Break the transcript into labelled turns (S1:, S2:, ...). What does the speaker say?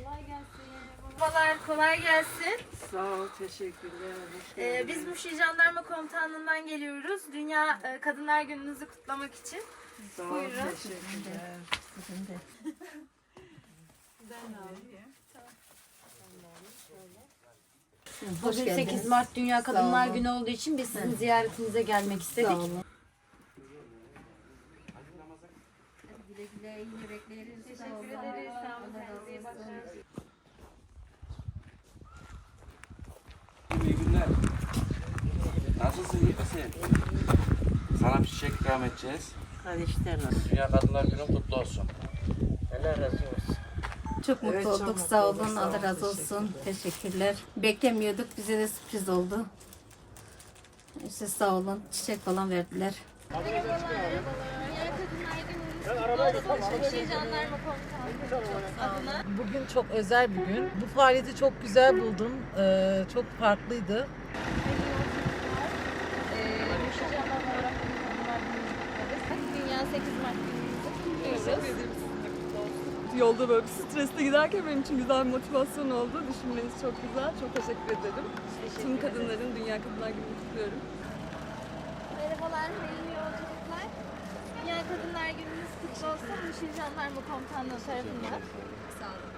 S1: Kolay gelsin. Merhabalar, kolay gelsin.
S2: Sağ ol, teşekkürler.
S1: Biz Muşi Jandarma Komutanlığı'ndan geliyoruz. Dünya Kadınlar Günü'nüzü kutlamak için.
S2: Sağ ol,
S1: Buyurun.
S2: teşekkürler. Sizin de.
S3: Bugün 8 Mart Dünya Kadınlar Günü olduğu için biz sizin ziyaretinize gelmek istedik.
S2: Sağ olun.
S3: Güle güle, iyi yürekleriniz.
S1: Teşekkür ederiz. Sağ olun. Kendinize iyi bakın.
S4: İyi günler. Nasılsın, iyi misin? Sana bir çiçek ikram edeceğiz.
S2: Hadi işler nasıl?
S4: Dünya Kadınlar Günü kutlu olsun.
S2: Allah razı olsun.
S3: Çok mutlu
S2: Evet, çok
S3: olduk.
S2: mutlu
S3: Sağ
S2: olduk.
S3: olun.
S2: Sağ
S3: Allah
S2: ol,
S3: razı olsun. Teşekkürler. Beklemiyorduk. Bize de sürpriz oldu. İşte sağ olun. Çiçek falan verdiler.
S1: Dünya Kadınlar Günü'nüz kutlu olsun. Muşi Jandarma Komutanlığı adına.
S5: Bugün çok özel bir gün. Bu faaliyeti çok güzel buldum. Çok farklıydı.
S1: Muşi Jandarma olarak Kadınlar Günü'nüzü kutlarız. Dünya 8 Mart Günü'nüzü kutluyoruz.
S6: Yolda böyle bir stresle giderken benim için güzel bir motivasyon oldu. Düşünmeniz çok güzel. Çok teşekkür ederim. Tüm kadınların Dünya Kadınlar Günü'nü kutluyorum.
S1: Merhabalar, hayırlı yolculuklar. Dünya Kadınlar Günü'nüz kutlu olsun. Muşi Jandarma Komutanlığı tarafından. Sağ olun.